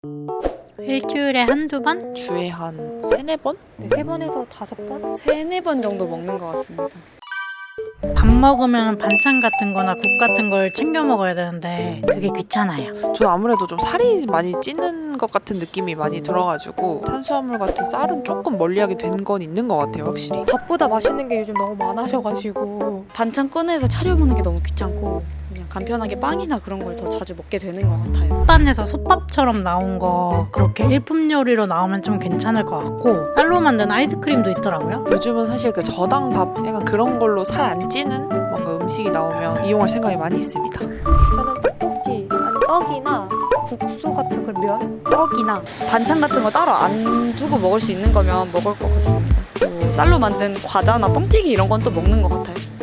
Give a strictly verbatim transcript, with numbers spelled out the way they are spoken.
일주일에 한두 번? 주에 한 세네 번? 네, 세 번에서 다섯 번? 세네 번 정도 먹는 것 같습니다. 밥 먹으면 반찬 같은 거나 국 같은 걸 챙겨 먹어야 되는데 그게 귀찮아요. 저는 아무래도 좀 살이 많이 찌는 것 같은 느낌이 많이 들어가지고 탄수화물 같은 쌀은 조금 멀리하게 된 건 있는 것 같아요, 확실히. 밥보다 맛있는 게 요즘 너무 많아져가지고 반찬 꺼내서 차려 먹는 게 너무 귀찮고 그냥 간편하게 빵이나 그런 걸 더 자주 먹게 되는 것 같아요. 햇반에서 솥밥처럼 나온 거 그렇게 일품 요리로 나오면 좀 괜찮을 것 같고 쌀로 만든 아이스크림도 있더라고요. 요즘은 사실 그 저당밥 약간 그런 걸로 살 안 찌는 뭔가 음식이 나오면 이용할 생각이 많이 있습니다. 저는 떡볶이, 아니 떡이나 국수 같은 걸 면? 떡이나 반찬 같은 거 따로 안 두고 먹을 수 있는 거면 먹을 것 같습니다. 뭐 쌀로 만든 과자나 뻥튀기 이런 건 또 먹는 것 같아요.